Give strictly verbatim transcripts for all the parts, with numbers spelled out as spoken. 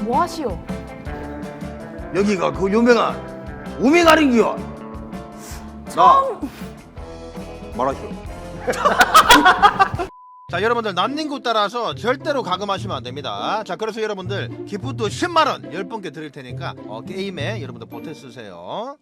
뭐 하시오? 여기가 그 유명한 우미가린기요. 처음 말하시오. 자, 여러분들 난닝구 따라서 절대로 가금하시면 안 됩니다. 자, 그래서 여러분들 기프트 십만 원 열 분께 드릴 테니까 어, 게임에 여러분들 보태 쓰세요.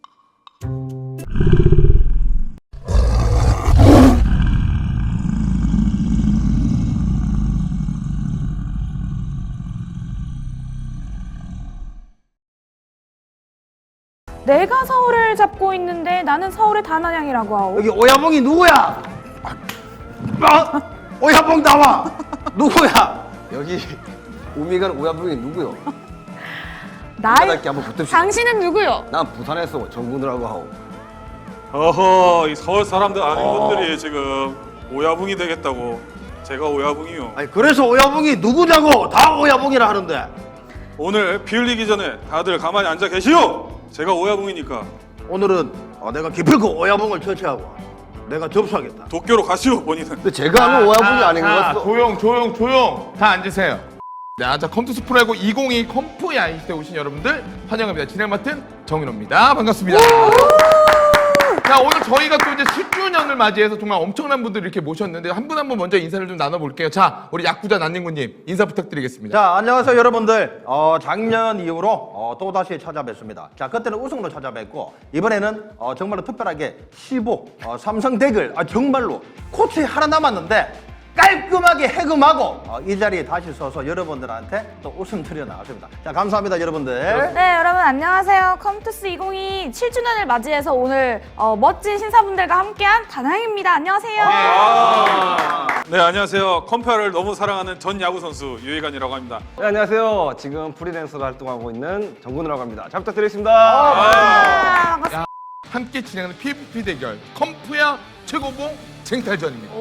내가 서울을 잡고 있는데 나는 서울의 단한양이라고 하오. 여기 오야봉이 누구야? 아, 오야봉 나와. 누구야? 여기 우미간 오야붕이 누구요? 나의 바닥에 한번 붙읍시다. 당신은 누구요? 난 부산에서 정군이라고 하고. 어허, 이 서울 사람들 아는 어. 것들이 지금 오야붕이 되겠다고. 제가 오야붕이요. 아니 그래서 오야봉이 누구냐고 다 오야봉이라 하는데. 오늘 비 흘리기 전에 다들 가만히 앉아 계시오. 제가 오야붕이니까 오늘은 어, 내가 기필코 오야봉을 처치하고 내가 접수하겠다. 도쿄로 가시오, 본인은. 근데 제가 아는 오야붕이 아닌 것 자, 같어. 조용 조용 조용 다 앉으세요. 자, 자 컴투스 프로야구 이천이십이 컴프 야인시대 오신 여러분들 환영합니다. 진행 맡은 정인호입니다. 반갑습니다. 자, 오늘 저희가 또 이제 십 주년을 맞이해서 정말 엄청난 분들을 이렇게 모셨는데 한 분 한 분 먼저 인사를 좀 나눠볼게요. 자, 우리 야구자 난닝구님 인사 부탁드리겠습니다. 자, 안녕하세요 여러분들. 어, 작년 이후로 어, 또 다시 찾아뵙습니다. 자, 그때는 우승으로 찾아뵙고 이번에는 어, 정말로 특별하게 십오 어, 삼성 덱을 아, 정말로 코치 하나 남았는데 깔끔하게 해금하고 어, 이 자리에 다시 서서 여러분들한테 또 웃음 드려 나갔습니다. 자, 감사합니다 여러분들. 네, 여러분 안녕하세요. 컴투스 이천이십이 칠 주년을 맞이해서 오늘 어, 멋진 신사분들과 함께한 단항입니다. 안녕하세요. 아, 네, 안녕하세요. 컴퓨터를 너무 사랑하는 전 야구 선수 유희관이라고 합니다. 네, 안녕하세요. 지금 프리랜서로 활동하고 있는 정군이라고 합니다. 잘 부탁드리겠습니다. 아, 반갑습니다. 함께 진행하는 피브이피 대결 컴프야 최고봉 쟁탈전입니다.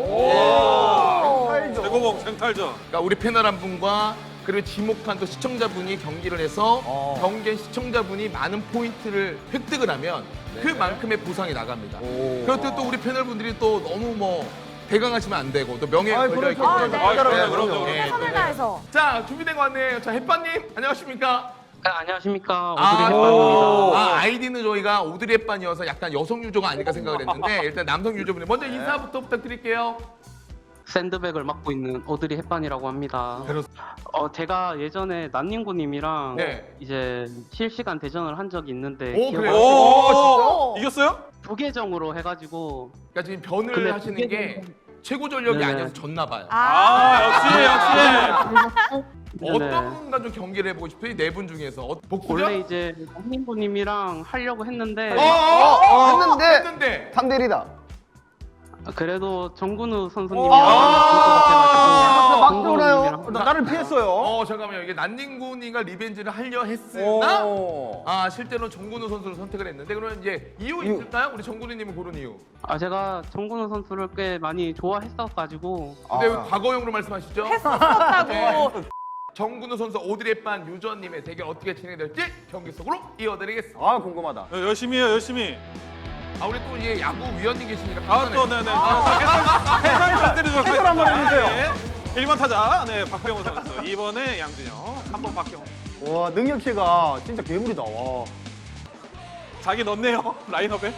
최고봉 생탈전. 그러니까 우리 패널 한 분과 그리고 지목한 또 시청자분이 경기를 해서 어. 경기한 시청자분이 많은 포인트를 획득을 하면 그만큼의 보상이 나갑니다. 그렇다고 또 우리 패널분들이 또 너무 뭐 대강하시면 안 되고 또 명예에 아이, 걸려있기 그렇죠. 때문에 아, 네. 아, 그럼요, 네, 그럼요. 네, 최선을 네. 다해서. 자, 준비된 거 같네요. 자, 햇반님 안녕하십니까? 네, 안녕하십니까. 아, 오드리 햇반입니다. 아, 아이디는 저희가 오드리 햇반이어서 약간 여성 유저가 아닐까 생각을 했는데 일단 남성 유저분들 먼저 인사부터 부탁드릴게요. 샌드백을 맡고 있는 오드리 햇반이라고 합니다. 그렇습니다. 어, 제가 예전에 난닝구님이랑 네. 이제 실시간 대전을 한 적이 있는데 오, 그래요? 오, 이겼어요? 두 계정으로 해가지고 그러니까 지금 변을 근데 하시는 그게 게 최고 전력이 네네. 아니어서 졌나 봐요. 아, 역시, 역시. 네네. 어떤 분과 좀 경기를 해보고 싶어요? 이 네 분 중에서 어, 복수죠? 원래 이제 난닝구님이랑 하려고 했는데 어, 어, 어, 했는데 했는데 삼 대 일이다. 그래도 정근우 어. 선수님이랑 아, 막 정근우 돌아요. 님이랑 나- 나를 피했어요. 어 잠깐만요. 이게 난닝군이가 리벤지를 하려 했으나 오. 아 실제로 정근우 선수를 선택을 했는데 그러면 이제 이유 이유. 있을까요? 우리 정근우님은 고른 이유. 아 제가 정근우 선수를 꽤 많이 좋아했어가지고 근데 왜 아. 과거형으로 말씀하시죠? 했었다고. 정근우 선수 오드리햇반 유저님의 대결 어떻게 진행될지 경기 속으로 이어드리겠습니다. 아, 궁금하다. 네, 열심히 해요, 열심히. 아 우리 또 이제 야구 위원님 계시니까 아, 또, 네네. 해설 좀 때려주세요. 해설 한번 해주세요. 일 번 타자, 네, 박병호 선수. 이 번에 양준영, 삼 번 박경호. 와, 능력치가 진짜 괴물이다. 와. 자기 넣네요, 라인업에.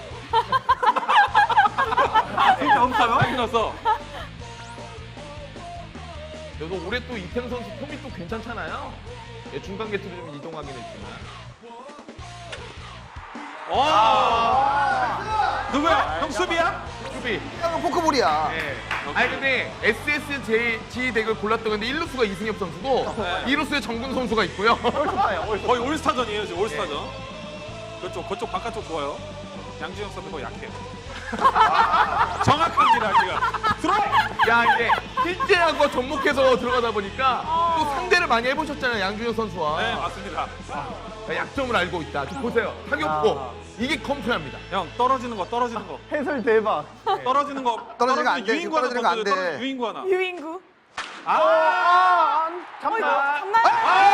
진짜 없어요? 자기 넣었어. 그래도 올해 또 이태영 선수 폼이 또 괜찮잖아요. 예, 중간 게트로 좀 이동하긴 했지만. 와! 누구야? 형 수비야? 수비. 이건 포크볼이야. 예. 아니 근데 에스에스지 덱을 골랐던 건데 일 루수가 이승엽 선수고 이 루수에 정근 선수가 있고요. 거의 올스타전이에요, 지금 올스타전. 그쪽, 그쪽 바깥쪽 좋아요. 양준영 선수 거 약해. 정확합니다, 지금. 들어! 야 이게 실제하고 접목해서 들어가다 보니까 또 상대를 많이 해보셨잖아요, 양준혁 선수와. 네, 맞습니다. 그러니까 약점을 알고 있다. 좀 보세요. 타격포. 이게 컴프야입니다. 형, 떨어지는 거, 떨어지는 거. 해설 대박. 떨어지는 거. 떨어지면 안 돼, 유인구 하나 떨어지는 거안 던져요, 돼. 떨어지- 유인구 하나. 유인구. 아, 아, 어, 이거 참나. 잡나요?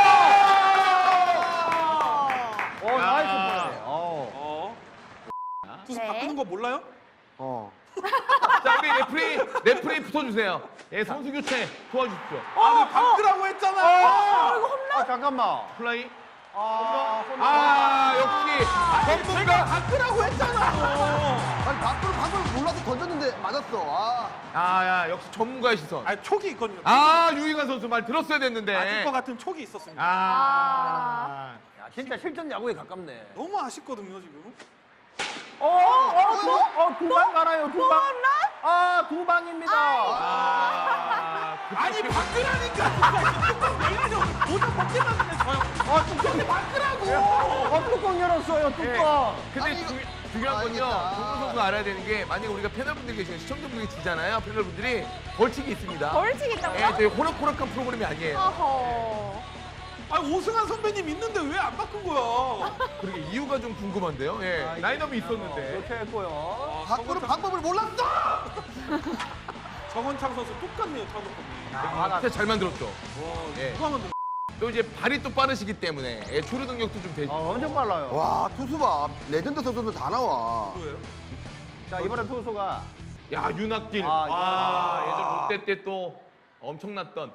어, 나이스 플레이. 어. 어. 투수 네. 바꾸는 거 몰라요? 어. 자 우리 레프리 레프리 붙어주세요. 예 선수 교체 도와주십시오. 아, 그 바꾸라고 했잖아. 어, 이거 홈런. 아, 잠깐만. 플라이. 아, 아, 역시 전문가. 바꾸라고 했잖아. 아니 밖으로 방금 몰라서 던졌는데 맞았어. 아. 아, 야, 역시 전문가의 시선. 아니 촉이 있거든요. 아, 유희관 선수 말 들었어야 됐는데. 아실 것 같은 촉이 있었습니다. 아. 야, 진짜 실전 야구에 가깝네. 너무 아쉽거든요 지금. 어, 어, 두, 어, 두 방 가나요? 두 방. 아, 두 방입니다. 아. 아니 바꾸라니까. 내가 좀 모자 벗기만 하면 저요. 아, 뚜껑이 바꾸라고. 어, 뚜껑 열었어요, 뚜껑. 근데 아니, 주, 이거- 중요한 건요. 알겠다. 정훈 선수가 알아야 되는 게 만약에 우리가 패널분들 계시면 시청자분들이 지잖아요. 패널분들이 벌칙이 있습니다. 벌칙 예, 있다고요? 저희 호락호락한 프로그램이 아니에요. 어허. 아니 오승환 선배님 있는데 왜 안 바꾼 거야? 그리고 이유가 좀 궁금한데요. 예, 라인업이 있었는데. 이렇게 했고요. 아, 밖으로 정원창, 방법을 몰랐어. 정원창 선수 똑같네요 타격감이. 진짜 잘 만들었죠. 와 예. 누가 만든? 또 이제 발이 또 빠르시기 때문에 예, 조류 능력도 좀 되죠. 어, 엄청 빨라요. 와 투수 봐. 레전드 선수들 다 나와. 거예요? 자, 이번에 투수가 야, 윤학길. 아, 아, 예전 롯데 때 또 엄청났던.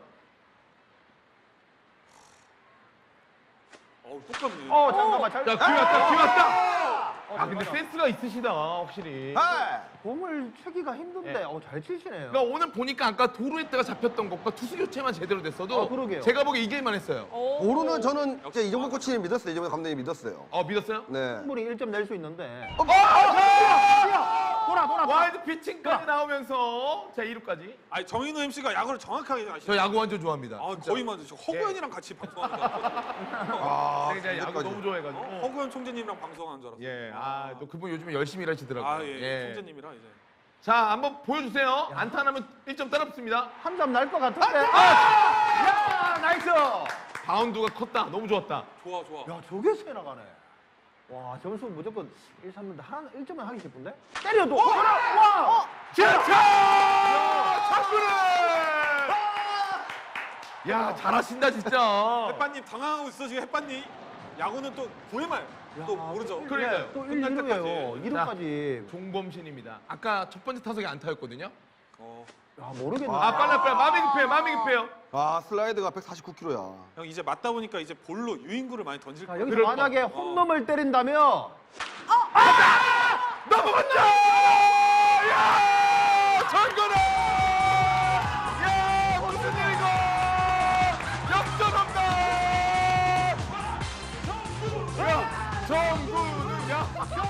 어우 똑같네. 어, 잠깐만. 잘. 야, 귀 왔다, 귀 왔다. 어, 아, 근데 잠깐만. 센스가 있으시다, 확실히. 네. 공을 치기가 힘든데 예. 어, 잘 치시네요. 그러니까 오늘 보니까 아까 도루에다가 잡혔던 것과 투수 교체만 제대로 됐어도 어, 그러게요. 제가 보기에 이길만 했어요. 오. 오르는 저는 진짜 이정근 코치님 믿었어요. 이정근 감독님 믿었어요. 어, 믿었어요? 네. 충분히 일 점 낼 수 있는데. 어, 돌아, 돌아. 와일드 피칭까지 나오면서 자, 이 루까지. 아니 정인우 엠씨가 야구를 정확하게 아시죠? 저 야구 완전 좋아합니다. 아 진짜. 거의 맞죠. 저 허구현이랑 같이 방송한다. 아, 제가 이제 야구 언제까지? 너무 좋아해가지고. 어? 허구현 총재님이랑 방송한 줄 알았어요. 예, 아, 또 그분 요즘에 열심히 일하시더라고요. 아 예, 총재님이랑 이제. 자, 한번 보여주세요. 안타나면 일 점 따라붙습니다. 한 점 날 것 같은데. 야, 나이스. 바운드가 컸다. 너무 좋았다. 좋아 좋아. 야, 저게 새 나가네. 와, 점수 무조건 일, 삼인데 하나 일 점만 하기 싶은데? 때려도. 와! 자, 창구를! 야, 잘하신다 진짜. 햇반님 당황하고 있어 지금 햇반님. 야구는 또 구회말 또 모르죠. 그러니까요. 또 끝날 일, 이루예요. 때까지. 이 루까지. 종범신입니다. 아까 첫 번째 타석이 안타였거든요. 어. 야, 모르겠네. 아, 빨라 빨라. 마음이 급해요. 마음이 급해요. 아 슬라이드가 백사십구 킬로야. 형 이제 맞다 보니까 이제 볼로 유인구를 많이 던질 자, 거예요. 여기서 그럴 만약에 홈런을 때린다면 넘어간다! 야! 전근아! 야, 무슨 일이고! 역전한다! 야, 정근우, 야!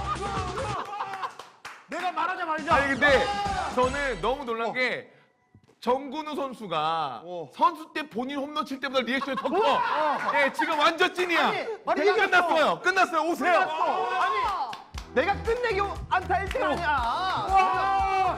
내가 말하자마자 아니, 근데 저는 너무 놀란 게 정근우 선수가 선수 때 본인 홈런 칠 때보다 리액션이 더 커. 예, 지금 완전 찐이야. 아니, 내가 이겼어. 끝났어요. 끝났어요. 오세요. 아니, 내가 끝내기 안타 일 등 아니야.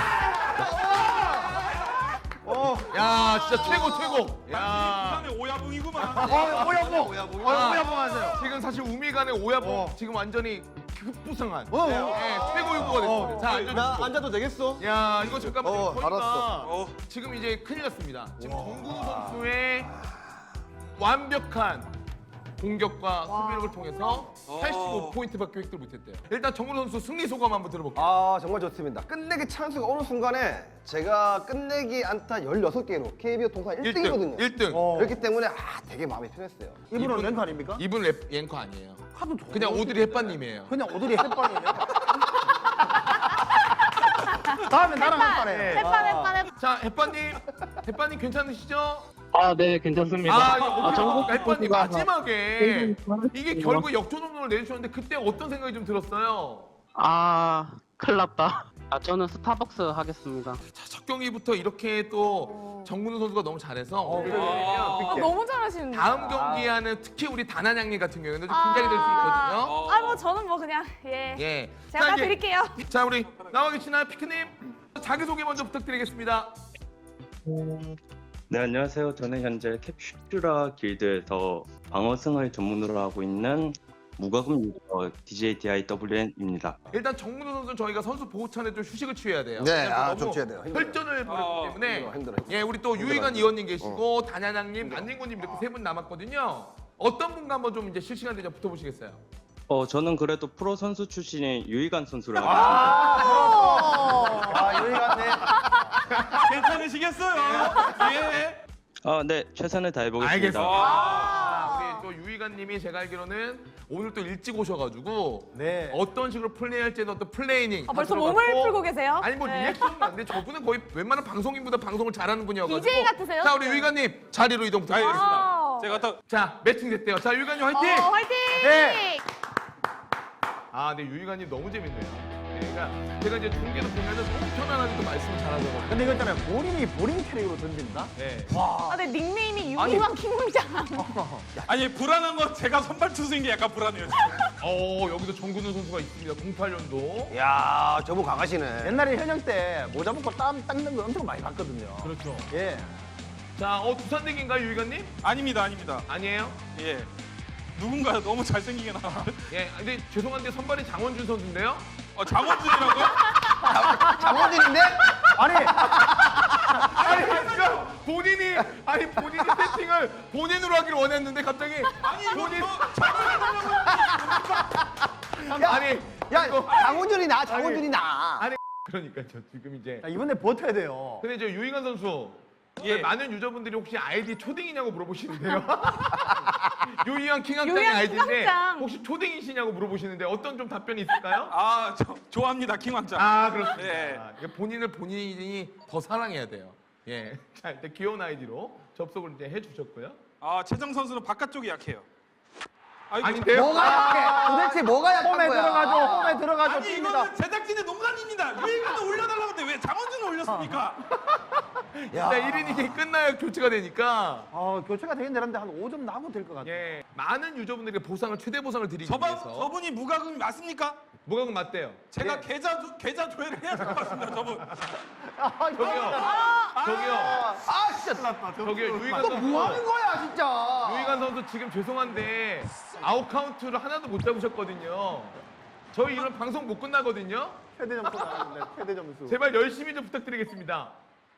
야, 진짜 최고 최고. 야. 부산의 오야붕이구만. 어, 오야봉. 오야봉. 아, 오야봉 하세요. 지금 사실 우미간의 오야봉 지금 완전히 급부상한 어, 예, 어. 최고 유구가 됐어요. 자, 앉아주시고. 앉아도 되겠어? 야, 이거 잠깐만 어, 저희가 알았어. 어. 지금 이제 큰일 났습니다. 지금 정근우 선수의 완벽한 공격과 수비력을 통해서 팔십오 포인트밖에 획득을 못했대요. 일단 정근우 선수 승리 소감 한번 들어볼게요. 아 정말 좋습니다. 끝내기 찬스가 오는 순간에 제가 끝내기 안타 열여섯 개로 케이비오 통산 일 등이거든요. 일 등. 그렇기 때문에 아 되게 마음이 편했어요. 이분은 랭크 아닙니까? 이분 랩 앵커 아니에요. 하도 좋은 그냥 거 오드리 햇반님이에요. 그냥 오드리 햇반이네. 다음에 나랑 햇반해. 햇반, 햇반, 햇반. 자, 햇반님, 햇반님 괜찮으시죠? 아, 네, 괜찮습니다. 아, 이거 아, 정국 햇반님 선수가 마지막에 이게 네. 결국 역전 홈런을 내주셨는데 그때 어떤 생각이 좀 들었어요? 아, 큰일 났다. 아, 저는 스타벅스 하겠습니다. 자, 첫 경기부터 이렇게 또 정근우 선수가 너무 잘해서 아, 너무 잘하시는데. 다음 경기에는 특히 우리 다나냥님 같은 경우에는 좀 긴장이 될 수 있거든요. 아, 뭐 저는 뭐 그냥 예. 예. 제가 자, 이제- 드릴게요. 자, 우리 나와 계시나요, 피크님? 자기소개 먼저 부탁드리겠습니다. 네, 안녕하세요. 저는 현재 캡슐라 길드에서 방어승을 전문으로 하고 있는 무과금 유저 디제이 디아이더블유엔입니다. 일단 정근우 선수는 저희가 선수 보호찬에 좀 휴식을 취해야 돼요. 네, 왜냐면 아, 너무 좀 취해야 돼요. 힘들어요. 혈전을 벌였기 아, 때문에 힘들어, 힘들어. 예, 우리 또 유희관 의원님 계시고 단야낭님, 안진구님 이렇게 세 분 남았거든요. 어떤 분과 한번 좀 이제 실시간 대전 붙어보시겠어요? 어, 저는 그래도 프로 선수 출신인 유희관 선수랑 하겠습니다. 아, 여기 갔네. 괜찮으시겠어요? 예. 아, 네, 최선을 다해보겠습니다. 알겠습니다. 유희관님이 제가 알기로는 오늘 또 일찍 오셔가지고 네. 어떤 식으로 플레이할지는 어떤 플레이닝 아, 벌써 다 몸을 들어갔고, 풀고 계세요? 아니 뭐 네. 리액션은 안 돼. 저분은 거의 웬만한 방송인보다 방송을 잘하는 분이어가지고. 디제이 같으세요? 자 우리 네. 유희관님 자리로 이동 부탁드리겠습니다. 아. 제가 딱 자 매칭 됐대요. 자 유희관님 화이팅! 어, 화이팅! 네. 아, 네 유희관님 너무 재밌네요. 네, 그러니까 제가 이제 중계도 보면은 너무 편안하게 또 말씀을 잘하셔가지고. 근데 이거 있잖아요. 본인이 본인 캐릭으로 던진다? 네. 아, 근데 닉네임이 유희왕 킹왕장. 아니 불안한 건 제가 선발 투수인 게 약간 불안해요. 지금. 어 여기도 정근우 선수가 있습니다. 공팔 년도. 야, 저분 강하시네. 옛날에 현역 때 모자 벗고 땀 닦는 거 엄청 많이 봤거든요. 그렇죠. 예. 자, 어 두산대기인가요, 유희관님? 아닙니다, 아닙니다. 아니에요? 예. 누군가 너무 잘생기게 나와. 예, 근데 죄송한데 선발이 장원준 선수인데요. 어, 장원준이라고요? 장원준인데? 아니, 아니, 그러니까 본인이 아니 본인이 세팅을 본인으로 하기를 원했는데 갑자기 아니 이거 본인 뭐 아니 야, 이거- 장원준이 나, 장원준이 나. 아니 그러니까 저 지금 이제 자, 이번에 버텨야 돼요. 근데 저 유희관 선수 예. 많은 유저분들이 혹시 아이디 초딩이냐고 물어보시는데요. 유희관 킹왕짱이 유희관 아이디인데 킹왕짱. 혹시 초딩이시냐고 물어보시는데 어떤 좀 답변이 있을까요? 아, 저, 좋아합니다, 킹왕짱. 아 그렇습니다. 예. 아, 본인을 본인이 더 사랑해야 돼요. 예, 자 일단 귀여운 아이디로 접속을 이제 해주셨고요. 아, 최정 선수는 바깥쪽이 약해요. 아이고, 아닌데요? 뭐가 약해? 도대체 뭐가 약한 홈에 거야? 들어가죠. 홈에 들어가죠. 아니 뜁니다. 이거는 제작진의 농간입니다. 유희관을 올려달라고 했는데 왜 장원준을 올렸습니까? 야. 자, 일 이닝이 끝나야 교체가 되니까 어, 교체가 되긴 되는데 한 오 점 나면 될 것 같아요. 예, 많은 유저분들에게 보상을 최대 보상을 드리기 저번 위해서 저분이 무과금이 맞습니까? 무과금 맞대요. 제가 계좌 조- 계좌 조회를 해야 될 것 같습니다, 저분. 아, 저기요, 저기요, 아, 진짜. 저기요, 유희관 또 선수. 뭐 하는 거야, 진짜. 유희관 선수 지금 죄송한데 아웃 카운트를 하나도 못 잡으셨거든요. 저희 이런 방송 못 끝나거든요. 최대 점수 나왔는데, 최대 점수. 제발 열심히 좀 부탁드리겠습니다.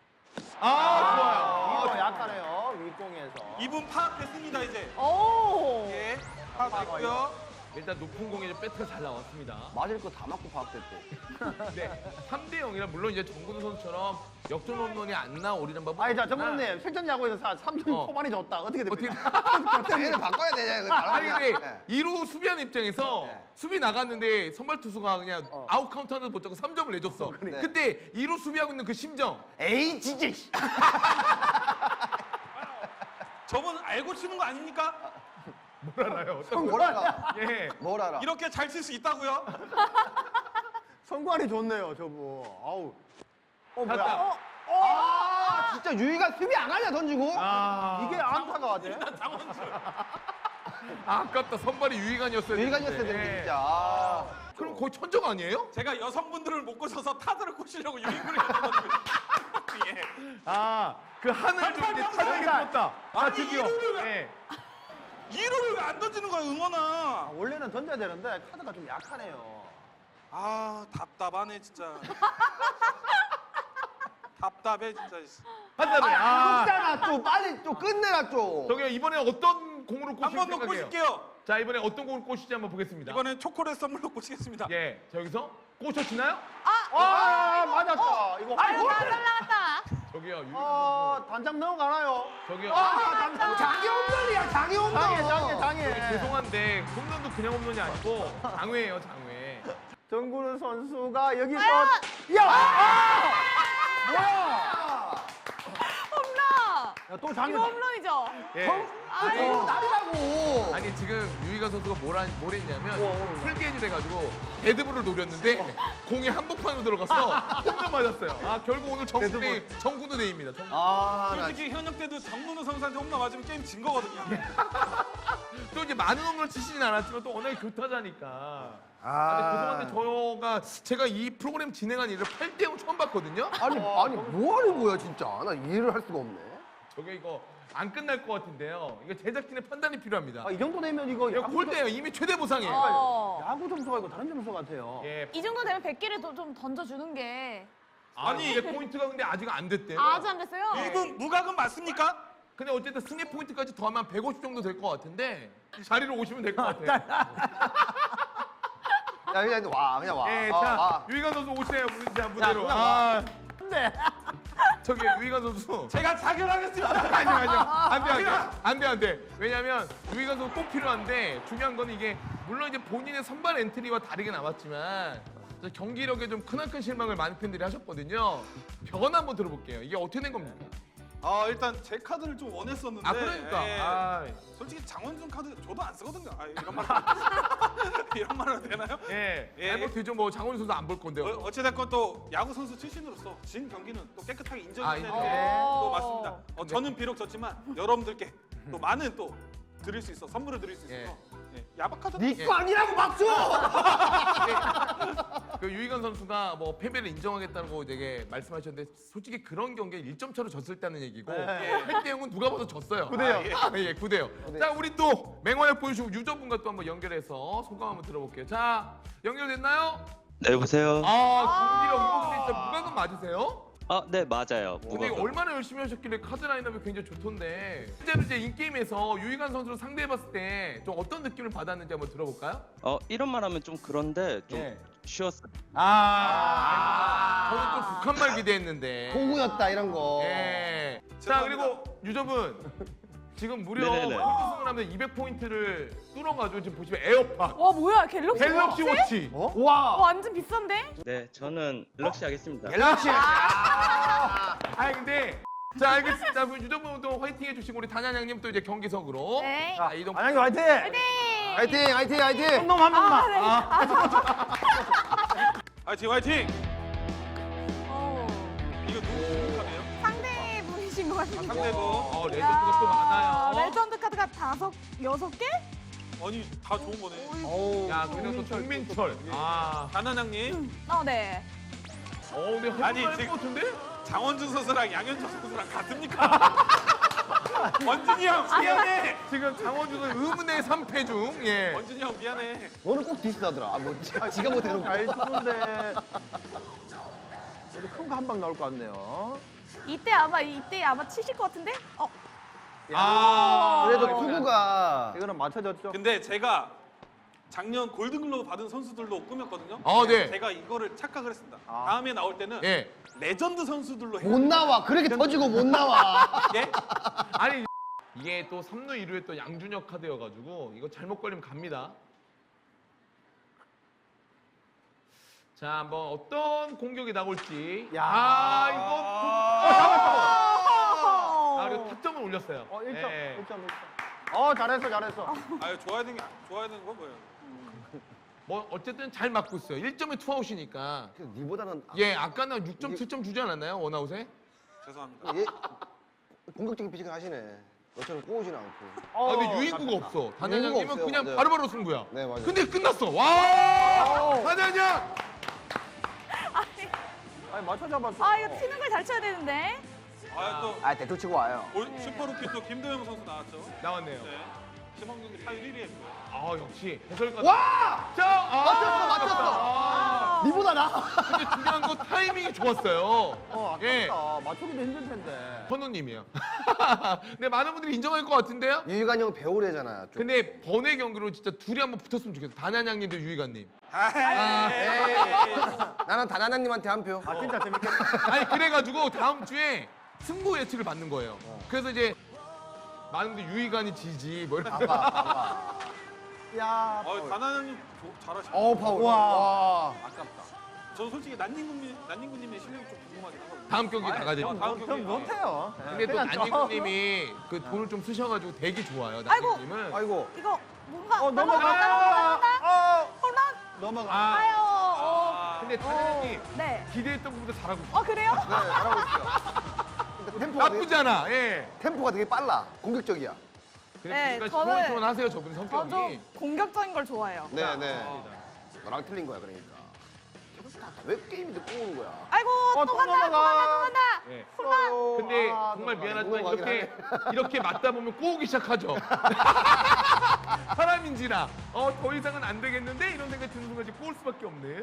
아, 이거 약하네요. 윗공에서. 이분 파악됐습니다, 이제. 오. 예, 파악됐고요. 좋아요. 일단 높은 공에 좀 배트가 잘 나왔습니다. 맞을 거 다 맞고 파악됐대. 네, 삼 대 영이라 물론 이제 정근우 선수처럼 역전 홈런이 안 나오리는 법은 아니, 자, 없지만 정근님, 실전 야구에서 삼 점 어. 초반이 졌다. 어떻게 어떻게 됩니까? 얘를 바꿔야 되냐, 이거 아니 다른 근데 이 루 수비하는 입장에서 수비 나갔는데 선발 투수가 그냥 아웃 카운트 하나도 못 잡고 삼 점을 내줬어. 그때 이 루 수비하고 있는 그 심정. 에이, 진짜. 씨. 저분 알고 치는 거 아닙니까? 뭘 알아요? 어떤 뭘 알아? 예. 뭘 알아? 이렇게 잘 칠 수 있다고요? 성관이 좋네요, 저분. 아우. 어, 뭐야. 갔다. 어, 아, 진짜 유희가 수비 안 하냐, 던지고? 아, 이게 안타가 돼? 아, 아깝다. 선발이 유희관이었어요. 유희관이었어야 되는데, 진짜. 아. 그럼 거의 천적 아니에요? 제가 여성분들을 못 꼬셔서 타자를 꼬시려고 유인구를 했거든요. 예. 아, 그 하늘 좀 이제 팔팔 타격이 팔팔. 떴다. 자, 아니, 드디어. 이루를 왜- 예. 이루를 왜 안 던지는 거야, 아, 응원아? 원래는 던져야 되는데, 카드가 좀 약하네요. 아, 답답하네, 진짜. 답답해, 진짜. 한다음에 아, 아, 좀 빨리 좀 끝내라, 좀. 저기 이번에 어떤 공으로 한 꼬실 번 더 생각이에요? 꼬실게요. 자, 이번에 어떤 공을 꼬실지 한번 보겠습니다. 이번엔 초콜릿 선물로 꼬시겠습니다. 예, 자 여기서 꼬셔지나요? 아, 맞았다. 이거 아유, 홀. 나 날라갔다. 저기요, 유희관 아, 선수. 단장 넘어가나요? 저기요. 자기 홈런이야, 자기 홈런. 장애, 장애, 저기 장애. 죄송한데 홈런도 그냥 홈런이 아니고 장외예요, 장외. 정근우 선수가 여기서 야! 아! 뭐야? 홈런. 야, 또 이거 장애. 홈런이죠? 예. 아유. 날이라고. 아니 지금 유희관 선수가 뭘, 한- 뭘 했냐면 어, 풀게임을 해가지고 데드볼을 노렸는데 공이 한복판으로 들어가서 홈런 맞았어요. 아 결국 오늘 정군의 정군우 데이입니다. 정군우. 아, 나 솔직히 현역 때도 정문우 선수한테 홈런 맞으면 게임 진 거거든요. 또 이제 많은 홈런을 치시진 않았지만 또 워낙에 교타자니까. 아, 아. 근데 죄송한데 저가 제가 이 프로그램 진행한 일을 팔 대 영 처음 봤거든요. 아니, 아니, 뭐 하는 거야, 진짜. 나 이해를 할 수가 없네. 저게 이거 안 끝날 것 같은데요. 이거 제작진의 판단이 필요합니다. 아, 이 정도 되면 이거 이거 야구 골대예요. 이미 최대 보상이에요. 어. 야구 점수가 이거 다른 점수 같아요. 예. 이 정도 되면 백 개를 더 좀 던져주는 게. 아니 이게 포인트가 근데 아직 안 됐대요. 아, 아직 안 됐어요? 이분 무과금 맞습니까? 근데 어쨌든 승리 포인트까지 더하면 백오십 정도 될 것 같은데 자리로 오시면 될 것 같아요. 야, 그냥 와, 그냥 와. 예, 아, 자 와. 유희관 선수 오세요. 자 무대로. 그냥 아, 근데 저기 유희관 선수. 제가 자결하겠습니다. 아니요, 아니요. 안 돼, 안 돼. 안 돼, 안 돼. 왜냐면 유희관 선수 꼭 필요한데 중요한 건 이게 물론 이제 본인의 선발 엔트리와 다르게 나왔지만 저 경기력에 좀 크나큰 실망을 많은 팬들이 하셨거든요. 변화 한번 들어볼게요. 이게 어떻게 된 겁니까? 아 일단 제 카드를 좀 원했었는데. 아, 그러니까. 예. 아, 솔직히 장원준 카드 저도 안 쓰거든요. 아 이런 말 이런 말 해도 되나요? 예. 예. 아니, 뭐 되죠. 뭐 장원 선수 안 볼 건데요. 어, 어찌됐건 또 야구 선수 출신으로서 진 경기는 또 깨끗하게 아, 인정해야 되는 인정. 또 맞습니다. 어, 저는 비록 졌지만 여러분들께 또 많은 또 드릴 수 있어 선물을 드릴 수 있어서 예. 야박하다. 니거 아니라고 막 줘! 그 유희관 선수가 뭐 패배를 인정하겠다고 되게 말씀하셨는데 솔직히 그런 경기에 일 점 차로 졌을 때는 얘기고 팔 대 영은 누가 봐도 졌어요. 구 대 영. 아, 예, 구 대 영. 자, 우리 또 맹활약 보여주고 유저분과 또 한번 연결해서 소감 한번 들어볼게요. 자, 연결됐나요? 네, 여보세요? 아, 경기력 이거 근데 진짜 무과금 맞으세요? 아, 네, 맞아요. 근데 무과금. 얼마나 열심히 하셨길래 카드 라인업이 굉장히 좋던데 실제로 이제 인게임에서 유희관 선수를 상대해봤을 때 좀 어떤 느낌을 받았는지 한번 들어볼까요? 어, 이런 말 하면 좀 그런데 좀 예. 쉬웠어요. 아, 저는 좀 북한말 기대했는데 공구였다 이런 거. 예. 자, 그리고 유저분 지금 무려 네네네. 폴드승을 하면 이백 포인트를 뚫어가지고 지금 보시면 에어팟 와 뭐야 갤럭시, 갤럭시 워치 와 완전 비싼데? 네, 저는 갤럭시 하겠습니다. 갤럭시 아, 아니 근데 자 알겠습니다. 그럼 유저분도 화이팅 해주시고 우리 단양양님 또 이제 경기석으로 네. 자 이동 안양이 화이팅! 네. 화이팅 화이팅 화이팅. 놈 한 번만. 아, 네. 화이팅 화이팅. 어, 이거 누구 카드예요? 상대분이신 것 같은데. 상대분. 어 레전드가 또 많아요. 레전드 카드가 다섯, 여섯 개? 아니 다 좋은 거네. 어우. 야 그리고 또 정민철 아, 단한양님 어, 네. 어 근데 아니, 할것 지금- 같은데? 장원준 선수랑 양현종 선수랑 같습니까? 원준이 형 미안해. 지금 장원준은 의문의 삼 패 중 예. 원준이 형 미안해. 너는 꼭 디스하더라. 아, 뭐 지- 지가 못 해놓고. 잘 주는데. 그래도 큰 거 한 방 나올 것 같네요. 이때 아마 이때 아마 치실 것 같은데? 어, 아 그래도 이거 투구가 이거는 맞춰졌죠? 근데 제가 작년 골든글로브 받은 선수들로 꾸몄거든요. 아, 네. 제가 이거를 착각을 했습니다. 아. 다음에 나올 때는 예. 레전드 선수들로 못 나와. 그렇게 터지고 못 나와. 예? 아니 이게 또 삼루 이루에 또 양준혁 카드여가지고 이거 잘못 걸리면 갑니다. 자 한번 어떤 공격이 나올지. 야. 아 이거 좀... 어, 잡았어. 어. 아 그리고 타점을 올렸어요. 어, 일 점, 예. 일 점, 일 점. 어, 잘했어, 잘했어. 아유 좋아야 되는 게 좋아야 되는 거 뭐예요? 뭐 어쨌든 잘 맞고 있어요. 일 점에 투아웃이니까. 그래도 니보다는 아, 예 아까는 육 점, 칠 점 주지 않았나요 원아웃에? 죄송합니다. 얘 공격적인 피칭 하시네. 너처럼 꼬우진 않고. 아 근데 유인구가 없어. 단양양님은 없어요. 그냥 맞아요. 바로바로 승부야. 네, 맞아요. 근데 끝났어. 와 단양양. 아니, 맞춰 잡았어. 아 이거 치는 걸 잘 쳐야 되는데. 아또 아, 대토 치고 와요. 슈퍼루키 또 김도영 선수 나왔죠. 나왔네요. 네. 시범 경기 타율 일 위 했고요. 아 역시 해설가. 와! 자 아, 맞췄어, 맞췄어. 아, 니보다 나. 근데 중요한 건 타이밍이 좋았어요. 어, 아깝다. 예. 맞추기도 힘들 텐데. 현우님이요. 근데 많은 분들이 인정할 것 같은데요? 유희관 형 배우래잖아. 좀. 근데 번외 경기로 진짜 둘이 한번 붙었으면 좋겠어. 단양양님도 유희관님. 아, 나는 다나나님한테 한 표. 아, 진짜 재밌겠다. 아니 그래가지고 다음 주에 승부 예측을 받는 거예요. 그래서 이제 많은 분들이 유희관이 지지 뭐 이렇게. 봐봐, 봐봐. 야. 어, 다나형님 잘하시네. 어, 파울. 와. 와. 아깝다. 저는 솔직히 난닝구님, 난닝구님의 실력이 좀 궁금하긴 하거든요. 다음 경기 나가야 어, 되죠. 다음 전 경기. 못해요. 근데 또 그냥 난닝구님이 그 돈을 좀 쓰셔가지고 되게 좋아요. 아이고. 난닝구님은. 아이고. 이거 뭔가 어, 넘어가. 넘어간다. 어, 홈런. 넘어가. 아 아유. 어. 근데 단양님 네. 기대했던 것보다 잘하고 있어. 어 그래요? 네, 잘하고 있어요. 근데 템포가 되게, 나쁘지 않아. 예. tem포가 되게 빨라. 공격적이야. 네, 그러니까 저는- 시원시원하세요 저분 성격이. 저좀 공격적인 걸 좋아해요. 네, 네. 너랑 틀린 거야, 그러니까. 왜 게임인데 꼬우는 거야? 아이고 어, 또 또 간다 또 넘어가. 간다 또 간다. 예. 어, 근데 아, 정말 넘어가. 미안하지만 넘어가긴 이렇게 이렇게 맞다 보면 꼬우기 시작하죠. 사람인지라 어 더 이상은 안 되겠는데 이런 생각이 드는 순간 이제 꼬울 수밖에 없네.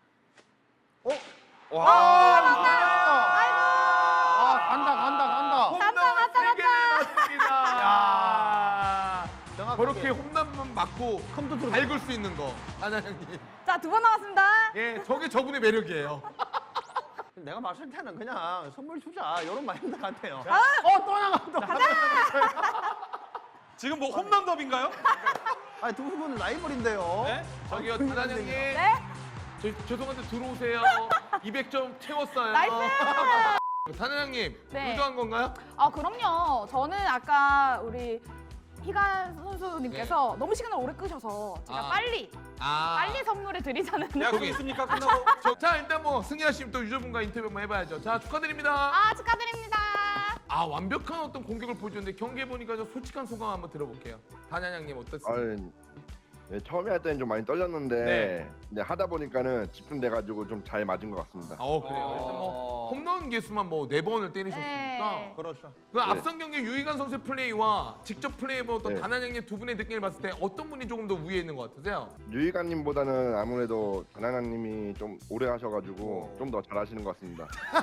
아, 간다, 간다, 간다. 간다, 간다, 세개 맞습니다. 야, 정확하게. 저렇게 홈런만 맞고 컴퓨터로 밟을 수 있는 거, 하나형님. 자 두 번 남았습니다. 예, 저게 저분의 매력이에요. 내가 봤을 때는 그냥 선물 주자 이런 마인드 같아요. 어, 또 나간다. 가자. 지금 뭐 홈런 더비인가요? 아니, 두 분은 라이벌인데요. 네? 저기요, 사장님. 네? 저, 죄송한데 들어오세요. 이백 점 채웠어요. 나이스! 사장님, 네. 의도한 건가요? 아, 그럼요. 저는 아까 우리 희간 선수님께서 너무 시간을 오래 끄셔서 제가 아. 빨리 아. 빨리 선물을 드리자는 약속 있습니까? 끝나고. 저, 자, 일단 뭐 승희하시면 또 유저분과 인터뷰 한번 해봐야죠. 자, 축하드립니다. 아, 축하드립니다. 아, 완벽한 어떤 공격을 보여줬는데 경기에 보니까 좀 솔직한 소감 한번 들어볼게요. 단양양님 어떻습니까? 아니, 네, 처음에 할 때는 좀 많이 떨렸는데 네. 이제 하다 보니까는 집중돼가지고 좀 잘 맞은 것 같습니다. 어, 그래요. 일단 뭐 홈런 개수만 뭐 네 번을 때리셨으니까. 네. 그렇죠. 그 앞선 경기 유희관 선수의 플레이와 직접 플레이해봤던 네. 단양양님 두 분의 느낌을 봤을 때 어떤 분이 조금 더 위에 있는 것 같으세요? 유희관님보다는 아무래도 전하나님이 좀 오래 하셔가지고 좀 더 잘하시는 것 같습니다.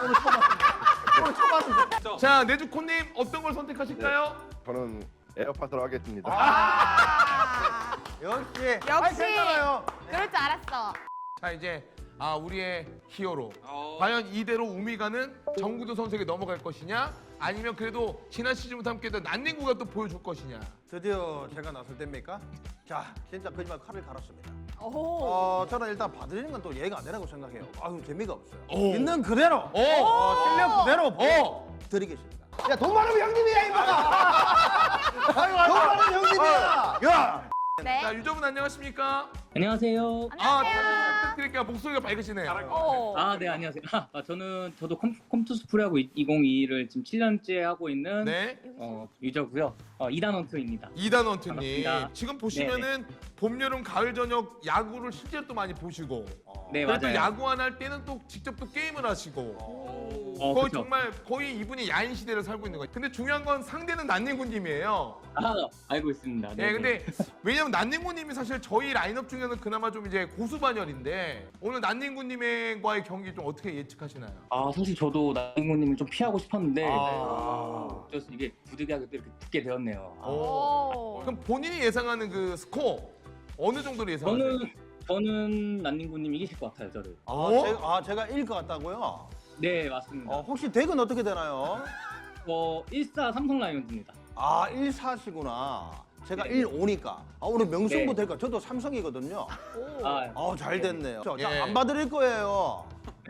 자, 내주코님 어떤 걸 선택하실까요? 저는 에어팟으로 하겠습니다. 아, 역시. 아니, 역시 괜찮아요. 그럴 줄 알았어. 자, 이제 아 우리의 히어로. 어. 과연 이대로 우미가는 정구도 선수에게 넘어갈 것이냐? 아니면 그래도 지난 시즌부터 함께했던 난닝구가 또 보여줄 것이냐? 드디어 제가 나설 때입니까? 자, 진짜 거짓말 칼을 갈았습니다. 오. 어, 저는 일단 봐드리는 건 또 예의가 안 되라고 생각해요. 아유, 재미가 없어요. 오. 있는 그대로, 오! 어, 실력 그대로 어! 드리겠습니다. 야, 돈 많으면 형님이야, 이봐. 돈 많으면 형님이야. 야! 네. 자, 유저분 안녕하십니까? 안녕하세요. 아, 잘 부탁드릴게요. 목소리가 밝으시네요. 오. 아, 네, 안녕하세요. 아, 저는 저도 컴, 컴투스 프로야구 이천이십이를 지금 칠 년째 하고 있는 네. 어, 유저고요. 어, 이단원투입니다. 이단원투님. 반갑습니다. 지금 보시면은 봄, 여름, 가을, 저녁 야구를 실제로 또 많이 보시고. 네, 그래도 맞아요. 야구 안 할 때는 또 직접 또 게임을 하시고. 어, 거의 그쵸. 정말 거의 이분이 야인 시대를 살고 있는 거예요. 근데 중요한 건 상대는 난닝구님이에요. 아, 알고 있습니다. 네, 근데 왜냐면 난닝구님이 사실 저희 라인업 중에는 그나마 좀 이제 고수 반열인데 오늘 난닝구님과의 경기 좀 어떻게 예측하시나요? 아, 사실 저도 나인구님을 좀 피하고 싶었는데 아. 어쩔 수 이게 부득이하게 또 이렇게 붙게 되었네요. 아, 오. 그럼 본인이 예상하는 그 스코어 어느 정도로 예상하세요? 저는 저는 난닝구님 이기실 것 같아요, 저를. 아, 어? 제가, 아, 제가 일 것 같다고요? 네, 맞습니다. 어, 혹시 덱은 어떻게 되나요? 어, 일사 삼성 라이온즈입니다. 아, 일 사시구나. 제가 네. 일 오니까. 아, 오늘 명승부 네. 될까? 저도 삼성이거든요. 아, 아, 잘 됐네요. 자, 예. 안 봐드릴 거예요.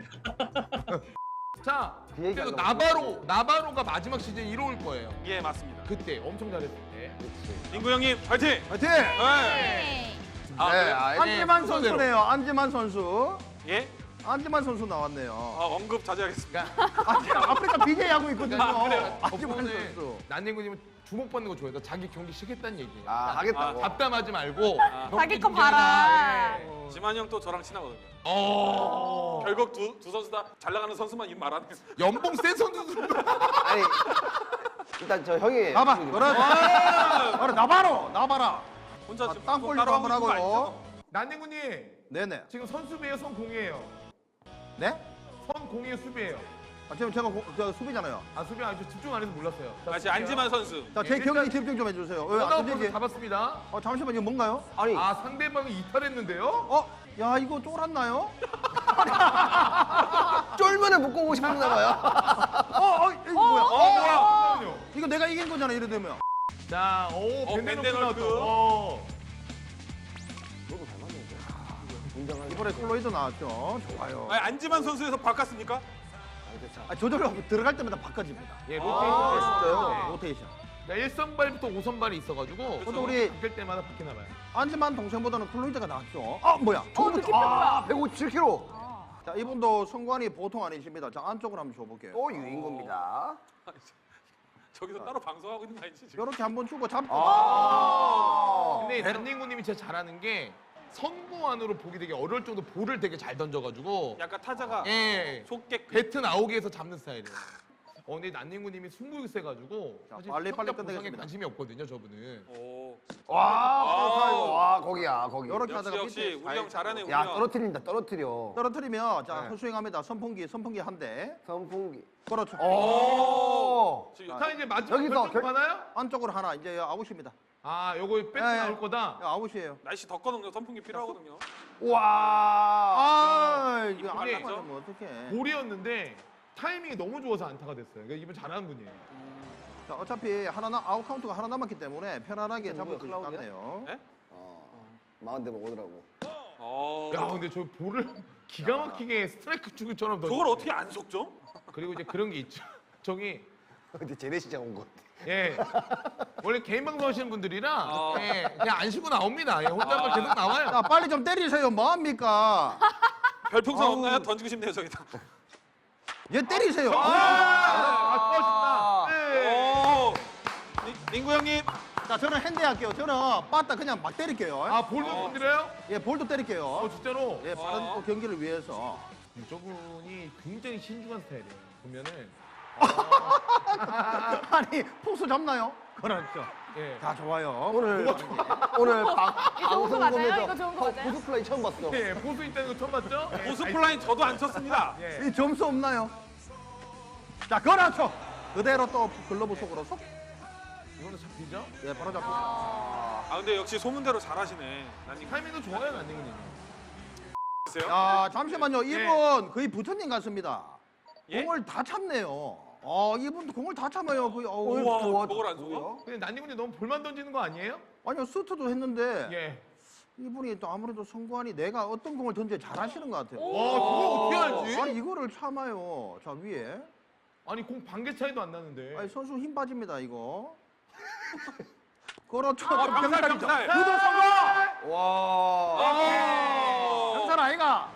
자, 그 얘기 그리고 하려고 나바로, 나바로가 마지막 시즌 이뤄올 거예요. 예, 맞습니다. 그때 엄청 잘했을 때. 인구 형님, 파이팅! 화이팅! 네. 네. 아, 네, 그래요? 안지만 선수네요. 안지만 선수. 예? 안지만 선수 나왔네요. 아, 언급 자제하겠습니다. 아, 제가 아프리카 비제이 하고 있거든요. 아, 그래요? 안지만 덕분에 선수. 난닝구님은 주목받는 거 좋아해서 자기 경기 시겠다는 얘기예요. 아, 하겠다고. 답답하지 말고 경기 자기 거 준비하자. 봐라. 예. 지만 형 또 저랑 친하거든요. 어. 결국 두, 두 선수 다 잘 나가는 선수만 입 말하는 연봉 센 선수. 아니, 일단 저 형이. 나봐, 그렇지. 바로 나바로, 나봐라. 혼자 아, 지금 땅굴 따로 한번 하고 있는 거 하고요. 아니죠? 난닝구님 네네. 지금 선수비에요, 선공이에요? 네? 선공이에요, 수비예요? 아, 지금 제가 고, 저 수비잖아요. 아, 수비 아니죠. 집중 안 해서 몰랐어요. 자, 아, 지금 안지만 선수. 자, 제 예, 경기 일단- 집중 좀 해주세요. 왜, 하나 안 되지? 잡았습니다. 어, 잠시만, 이거 뭔가요? 아니, 아, 상대방이 이탈했는데요? 어? 야, 이거 쫄았나요? 쫄면을 묶고 오고 싶었나 봐요. 어, 어, 이거 뭐야? 어, 뭐야? 잠깐만요. 이거 내가 이긴 거잖아, 이래 되면. 자, 오, 어, 벤데노크 벤데노크. 나왔죠. 어. 이번에 콜로이드 나왔죠. 좋아요. 아니, 안지만 선수에서 바꿨습니까? 아, 저절로 들어갈 때마다 바꿔집니다. 예, 아, 로테이션. 진짜요? 네. 로테이션. 자, 일 선발부터 오 선발이 있어가지고 근데 우리- 바뀔 때마다 바뀌나 봐요. 안지만 동생보다는 콜로이드가 낫죠. 아, 뭐야? 어, 느낌 뭐야? 백오십칠 킬로그램. 자, 이분도 성관이 보통 아니십니다. 자, 안쪽으로 한번 줘볼게요. 또 유인 겁니다. 저기서 따로 방송하고 있는 거 아니지 지금? 이렇게 한번 주고 잡고. 근데 난닝구님이 진짜 잘하는 게 선구 안으로 보기 되게 어려울 정도 볼을 되게 잘 던져가지고 약간 타자가 예, 속객 배트 나오게 해서 잡는 스타일이에요. 어, 근데 난닝구님이 승부욕 세가지고 자, 사실 빨리 빨리 평가 보상에 끝내겠습니다. 관심이 없거든요, 저분은. 오. 와, 좋다, 이거. 와, 거기야, 거기. 요렇게 역시 하다가 역시 밑에 우리 형 잘하네 우리 야, 형. 떨어뜨린다, 떨어뜨려. 떨어뜨리면 자, 네. 헛스윙합니다. 선풍기, 선풍기 한 대. 선풍기. 그렇죠. 오! 지금 자, 이제 마지막 여기서 결정 결- 하나요? 안쪽으로 하나 이제 아웃입니다. 아, 요거 배트 예, 예. 나올 거다. 야, 아웃이에요. 날씨 덥거든요. 선풍기 필요하거든요. 와, 아, 이거 안 이분이 나가면 어떡해. 볼이었는데 타이밍이 너무 좋아서 안타가 됐어요. 그러니까 이분 잘하는 분이에요. 자, 어차피 하나 나 아웃 카운트가 하나 남았기 때문에 편안하게 잡을 것 클라우드야? 같네요. 네? 어, 마흔 대면 오더라고. 어. 야, 근데 저 볼을 기가 막히게 스트라이크 주기처럼 던져. 저걸 어떻게 안 속죠? 그리고 이제 그런 게 있죠. 저기 근데 제네시장 온 것 같아. 예 원래 개인 방송 하시는 분들이라 아. 예, 그냥 안 쉬고 나옵니다. 예, 혼잣말 계속 나와요. 자, 빨리 좀 때리세요. 뭐합니까? 별풍선 아우. 없나요? 던지고 싶네요 저기다. 얘 때리세요. 아, 아, 수고하십니다. 네. 오. 니- 닝구 형님. 자, 저는 핸디 할게요. 저는 빠따 그냥 막 때릴게요. 아, 볼도 건드려요? 예, 볼도 때릴게요. 어, 진짜로? 예, 빠른 어. 또 경기를 위해서. 저분이 굉장히 신중한 스타일이에요. 보면은 아니, 포수 잡나요? 그렇죠. 예. 자, 좋아요. 오늘 오늘 방, 좋은 거 맞아요? 이거 좋은 거 어, 맞아요? 보수 플레이 처음 봤어. 예, 보수 있다는 거 처음 봤죠? 예. 보스 플라인 저도 안 쳤습니다. 예. 이 점수 없나요? 자, 그렇죠. 그대로 또 글러브 속으로 쏙. 이거는 잡히죠? 예, 바로 잡고. 아 근데 역시 소문대로 잘하시네. 난 이거 타이밍도 좋아요, 난닝구님. 있어요? 야, 잠시만요. 예. 이분 거의 부처님 같습니다. 예? 공을 다 참네요. 어, 이분도 공을 다 참아요. 거의. 어, 우와, 좋아. 저걸 안 속아? 근데 난닝구님 너무 볼만 던지는 거 아니에요? 아니요, 스트도 했는데 예. 이분이 또 아무래도 성관이 내가 어떤 공을 던져 잘하시는 것 같아요. 와, 그거 어떻게 알지? 아니, 이거를 참아요. 자, 위에. 아니, 공 반개 차이도 안 나는데. 아니, 선수 힘 빠집니다, 이거. 그렇죠. 아, 병살, 병살이죠. 병살. 구도 성공! 와. 아. 병살 아이가.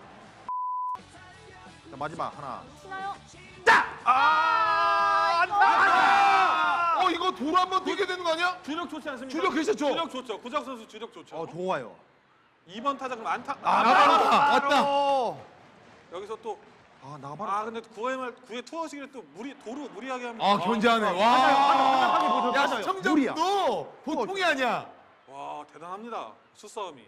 자, 마지막 하나. 치나요? 아, 안타! 어, 이거 도로 한번 뛰게 되는 거 아니야? 주력 좋지 않습니까? 주력 괜찮죠? 주력 좋죠. 구작 선수 주력 좋죠. 어, 좋아요. 이 번 타자 그럼 안타. 아, 나가라! 왔다! 여기서 또. 아, 나가봐라. 아 근데 구회말 구회 투어식을 또 무리 도루 무리하게 하면. 아, 견제하네. 와. 맞아요. 야, 맞아요. 시청자분도 보통이 아니야. 와 대단합니다. 수싸움이.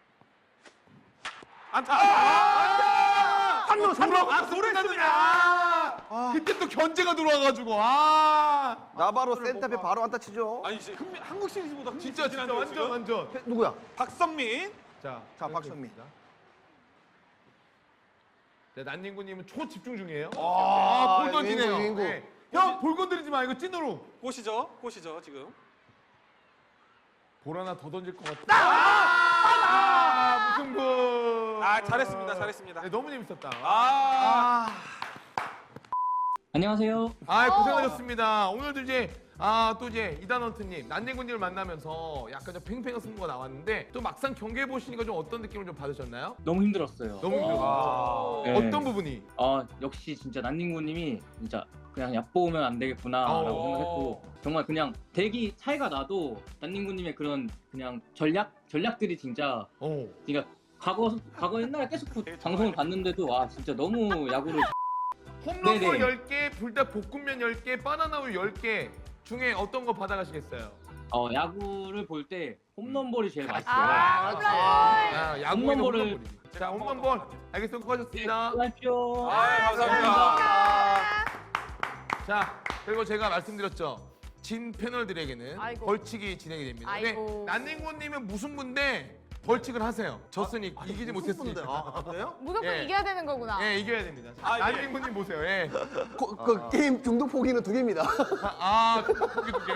안타. 한루, 삼루. 아, 소리 나느냐. 그때 또 견제가 들어와가지고. 아. 나바로 센터에 바로 안타 치죠. 아니 이제 흥미, 한국 시리즈보다 진짜, 진짜 완전, 완전. 누구야? 박성민. 자, 자, 박성민. 네, 난닝구님은 초집중 중이에요. 아, 아, 볼 던지네요. 윙구, 윙구. 네. 형, 볼 건드리지 마. 이거 찐으로. 꽃이죠. 꽃이죠 지금. 볼 하나 더 던질 것 같다. 아, 무승부. 아 잘했습니다. 잘했습니다. 네, 너무 재밌었다. 아. 안녕하세요. 아, 고생하셨습니다. 오늘도 이제 아, 또 이제 이단원트님, 난닝구님을 만나면서 약간 좀 팽팽한 승부가 나왔는데 또 막상 경기해 보시니까 좀 어떤 느낌을 좀 받으셨나요? 너무 힘들었어요. 너무 힘들었어요. 네. 어떤 부분이? 아 역시 진짜 난닝구님이 진짜 그냥 얕보면 안 되겠구나라고 어. 생각했고 정말 그냥 대기 차이가 나도 난닝구님의 그런 그냥 전략 전략들이 진짜 어. 그러니까 과거 과거 옛날에 계속 그 방송을 봤는데도 와 진짜 너무 야구를 홈런볼 네네. 열 개, 불닭 볶음면 열 개, 바나나 우유 열 개 중에 어떤 거 받아가시겠어요? 어 야구를 볼 때 홈런볼이 제일 맛있어요. 아, 홈런! 아, 야구에는 홈런볼을- 홈런볼이지. 자, 홈런볼. 알겠습니다. 수고하셨습니다. 수고하십시오. 아 감사합니다. 자, 그리고 제가 말씀드렸죠. 진 패널들에게는 아이고. 벌칙이 진행이 됩니다. 아이고. 근데 난닝구님은 무슨 분데 벌칙을 하세요. 졌으니 이기지 못했으니까. 아, 그래요? 무조건 예. 이겨야 되는 거구나. 예, 이겨야 됩니다. 아, 예. 난닝구님 보세요. 예. 고- 그 게임 중독 포기는 두 개입니다. 아, 두개 두 개.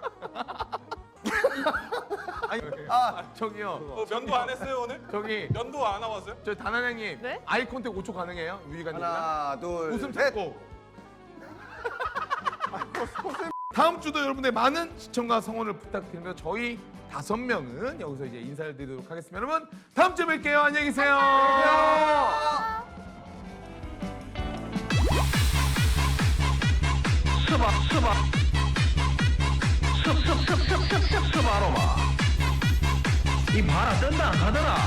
아니, 아, 저기요. 어, 면도 안 했어요 오늘? 저기 면도 안 나왔어요? 저 단한양님 네? 아이 컨택 오 초 가능해요? 유희관님이랑 하나, 둘, 웃음 셋. 참고. 다음 주도 여러분의 많은 시청과 성원을 부탁드리며 저희 다섯 명은 여기서 이제 인사를 드리도록 하겠습니다. 여러분 다음 주에 뵐게요. 안녕히 계세요. 스바, 스바. 습, 습, 습, 습, 습, 습, 습, 아로마. 이 봐라, 뜬다 안 가더라.